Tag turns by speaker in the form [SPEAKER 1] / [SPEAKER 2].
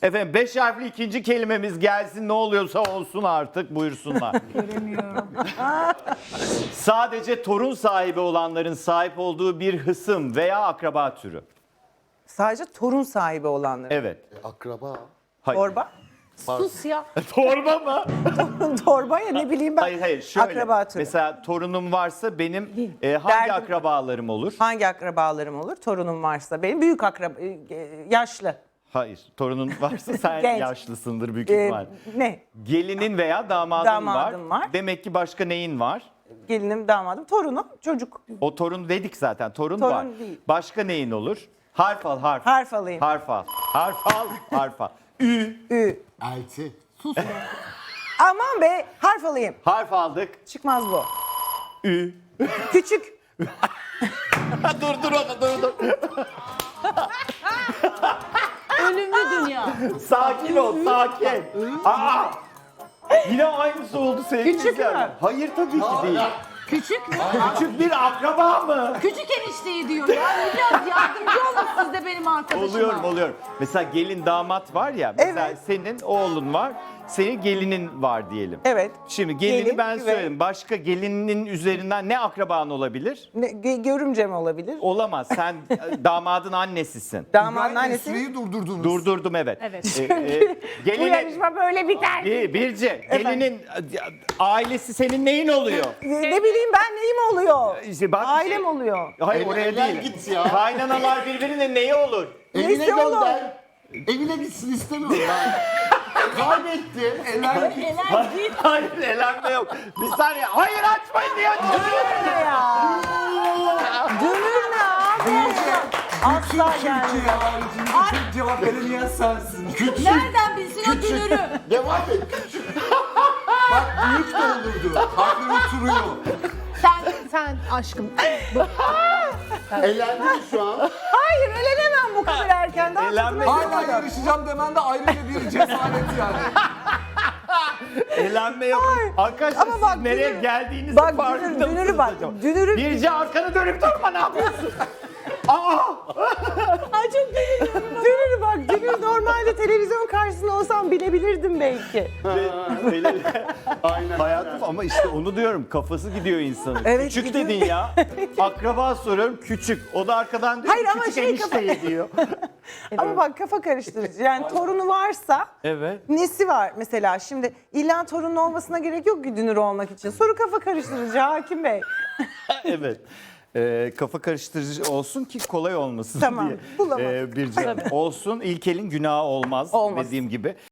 [SPEAKER 1] Efendim 5 harfli ikinci kelimemiz gelsin, ne oluyorsa olsun artık, buyursunlar.
[SPEAKER 2] Göremiyorum.
[SPEAKER 1] Sadece torun sahibi olanların sahip olduğu bir hısım veya akraba türü.
[SPEAKER 3] Sadece torun sahibi olanlar.
[SPEAKER 1] Evet.
[SPEAKER 4] Akraba.
[SPEAKER 1] Hayır.
[SPEAKER 3] Torba.
[SPEAKER 2] Sus ya.
[SPEAKER 1] Torba mı?
[SPEAKER 3] Torba ya ne bileyim ben.
[SPEAKER 1] Hayır şöyle.
[SPEAKER 3] Akraba türü.
[SPEAKER 1] Mesela torunum varsa benim hangi
[SPEAKER 3] Derdim.
[SPEAKER 1] akrabalarım olur?
[SPEAKER 3] Hangi akrabalarım olur? Torunum varsa. Benim büyük akraba, yaşlı.
[SPEAKER 1] Hayır. Torunun varsa sen
[SPEAKER 3] Genç.
[SPEAKER 1] yaşlısındır büyük
[SPEAKER 3] Ee,
[SPEAKER 1] ihtimal.
[SPEAKER 3] ne?
[SPEAKER 1] Gelinin veya
[SPEAKER 3] Damadım var.
[SPEAKER 1] Demek ki başka neyin var?
[SPEAKER 3] Gelinim, damadım, torunum, çocuk.
[SPEAKER 1] O torun dedik zaten. Torun
[SPEAKER 3] Torun
[SPEAKER 1] var.
[SPEAKER 3] değil.
[SPEAKER 1] Başka neyin olur? Harf al, harf.
[SPEAKER 3] Harf alayım.
[SPEAKER 1] Harf al. Harf al, harf al. Ü.
[SPEAKER 3] Ü.
[SPEAKER 4] Elti.
[SPEAKER 2] Sus ya.
[SPEAKER 3] Aman be, harf alayım.
[SPEAKER 1] Harf aldık.
[SPEAKER 3] Çıkmaz bu.
[SPEAKER 1] Ü.
[SPEAKER 3] Küçük.
[SPEAKER 1] dur dur.
[SPEAKER 2] Ölümlü dünya.
[SPEAKER 1] Sakin ol, sakin. Aa! Yine aynısı oldu sevgili
[SPEAKER 3] Küçük mü?
[SPEAKER 1] izleyenler. Hayır tabii ki değil.
[SPEAKER 2] Küçük mü?
[SPEAKER 1] Küçük bir akraba mı?
[SPEAKER 2] Küçük enişteyi diyor ya. Biraz yardımcı olun siz de benim arkadaşıma.
[SPEAKER 1] Oluyorum. Mesela gelin damat var ya. Mesela
[SPEAKER 3] Evet.
[SPEAKER 1] senin oğlun var. Senin gelinin var diyelim.
[SPEAKER 3] Evet.
[SPEAKER 1] Şimdi gelini
[SPEAKER 3] Gelin
[SPEAKER 1] ben
[SPEAKER 3] ve-
[SPEAKER 1] söyledim. Başka gelinin üzerinden ne akraban olabilir?
[SPEAKER 3] Görümcem olabilir.
[SPEAKER 1] Olamaz. Sen damadın annesisin.
[SPEAKER 3] Damadın annesi.
[SPEAKER 4] Süreyi durdurdunuz.
[SPEAKER 1] Durdurdum evet.
[SPEAKER 2] Evet.
[SPEAKER 3] Bu
[SPEAKER 1] Gelinin,
[SPEAKER 3] yarışma böyle biter.
[SPEAKER 1] Birce, gelinin ailesi senin neyin oluyor?
[SPEAKER 3] Ne bileyim ben neyim oluyor?
[SPEAKER 1] İşte bak,
[SPEAKER 3] Ailem oluyor.
[SPEAKER 1] Hayır
[SPEAKER 4] Evlen
[SPEAKER 1] oraya değil.
[SPEAKER 4] git ya.
[SPEAKER 1] Kaynanalar birbirinin neyi olur?
[SPEAKER 4] Evine
[SPEAKER 3] Neyse oğlum.
[SPEAKER 4] gönder. Evine gitsin istemiyorum ben. Kaybettin. Elen git.
[SPEAKER 2] Neler git.
[SPEAKER 1] Hayır elenme yok. Bir saniye. Hayır açmayın diye açıyorum.
[SPEAKER 3] Ne ya? Dönür ne abi? Asla gelmez.
[SPEAKER 4] Türkiye haricinde tek cevap veremeyen sensin. Küçük.
[SPEAKER 2] Nereden bilsin o dünürü?
[SPEAKER 4] Devam et. Küçük. Bak büyük de olurdu. Harbi oturuyor.
[SPEAKER 2] Sen aşkım.
[SPEAKER 4] Elendin şu an.
[SPEAKER 3] Hayır elenemem bu kadar erken. Daha
[SPEAKER 1] Elenme
[SPEAKER 3] tadına
[SPEAKER 4] Hala
[SPEAKER 3] varmadım.
[SPEAKER 4] yarışacağım demen de ayrıca bir cesaret yani.
[SPEAKER 1] Elenme yok. Arkadaşlar
[SPEAKER 3] Ama bak,
[SPEAKER 1] siz nereye
[SPEAKER 3] dünür-
[SPEAKER 1] geldiğinizin
[SPEAKER 3] bak,
[SPEAKER 1] farkında
[SPEAKER 3] dünürü
[SPEAKER 1] mısınız
[SPEAKER 3] bak,
[SPEAKER 1] acaba?
[SPEAKER 3] dünürü-
[SPEAKER 1] Birce arkanı dönüp durma, ne yapıyorsun? Aa!
[SPEAKER 3] Ay çok dünür bak. Dünür normalde televizyon karşısında olsam bilebilirdim belki.
[SPEAKER 1] Aynen. Hayatım ama işte onu diyorum, kafası gidiyor insanın.
[SPEAKER 3] Evet,
[SPEAKER 1] Küçük
[SPEAKER 3] gidiyor.
[SPEAKER 1] dedin ya. Akraba soruyorum, küçük. O da arkadan diyor
[SPEAKER 3] Hayır,
[SPEAKER 1] ki,
[SPEAKER 3] ama
[SPEAKER 1] küçük
[SPEAKER 3] şey
[SPEAKER 1] enişteyi diyor.
[SPEAKER 3] Ama bak kafa karıştırıcı. Yani torunu varsa
[SPEAKER 1] Evet.
[SPEAKER 3] nesi var mesela? Şimdi illa torunun olmasına gerek yok ki dünür olmak için. Soru kafa karıştırıcı Hakim Bey.
[SPEAKER 1] Evet. Kafa karıştırıcı olsun ki kolay olmasın
[SPEAKER 3] Tamam,
[SPEAKER 1] diye.
[SPEAKER 3] bulamadım.
[SPEAKER 1] Birce olsun, ilk elin günahı olmaz,
[SPEAKER 3] Olmaz.
[SPEAKER 1] dediğim gibi.